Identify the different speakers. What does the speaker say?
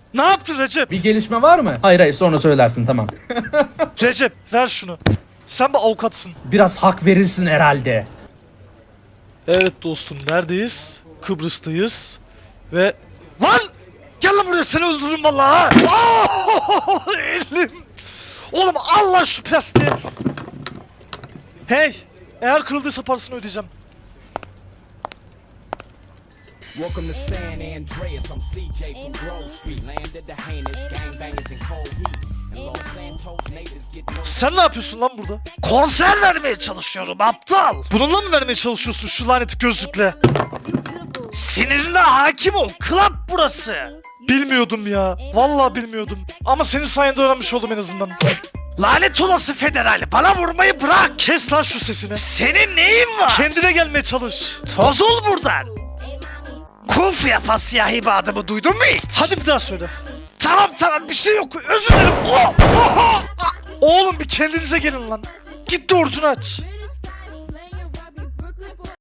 Speaker 1: Ne yaptın Recep?
Speaker 2: Bir gelişme var mı? Hayır sonra söylersin tamam.
Speaker 1: Recep ver şunu. Sen bir avukatsın.
Speaker 2: Biraz hak verirsin herhalde.
Speaker 1: Evet dostum, neredeyiz? Kıbrıs'tayız. Ve... Lan! Gel lan buraya, seni öldürürüm vallahi ha! Oh, elim! Oğlum al lan şu plastiği! Hey! Eğer kırıldıysa parasını ödeyeceğim.
Speaker 3: Welcome to San Andreas, I'm CJ from Grove Street. Landed the heinous gangbangers in cold heat. And Los Santos natives get no.
Speaker 1: Sen ne yapıyorsun lan burada? Konser vermeye çalışıyorum aptal! Bununla mı vermeye çalışıyorsun şu lanet gözlükle? Sinirine hakim ol, club burası! Bilmiyordum ya, vallahi bilmiyordum. Ama senin sayende öğrenmiş oldum en azından. Lanet olası federal, bana vurmayı bırak! Kes lan şu sesini. Senin neyin var? Kendine gelmeye çalış. Toz ol buradan. Kung fu yapan siyahi bir adamı duydun mu hiç? Hadi bir daha söyle. Tamam bir şey yok, özür dilerim. Oğlum bir kendinize gelin lan. Git de orucunu aç.